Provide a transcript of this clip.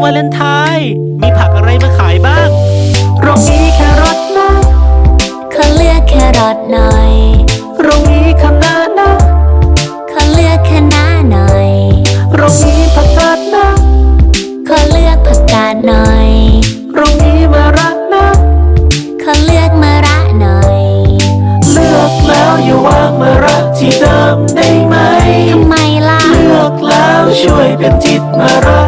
วาเลนไทน์มีผักอะไรมาขายบ้างโรงนี้แครอทนะขอเลือกแครอทหน่อยโรงนี้คะน้านะขอเลือกคะน้าหน่อยโรงนี้ผักกาดนะขอเลือกผักกาดหน่อยโรงนี้มะระนะขอเลือกมะระหน่อยเลือกแล้วอย่าวางมะระที่เดิมได้ไหมทำไมล่ะเลือกแล้วช่วยเป็นจิตมะระ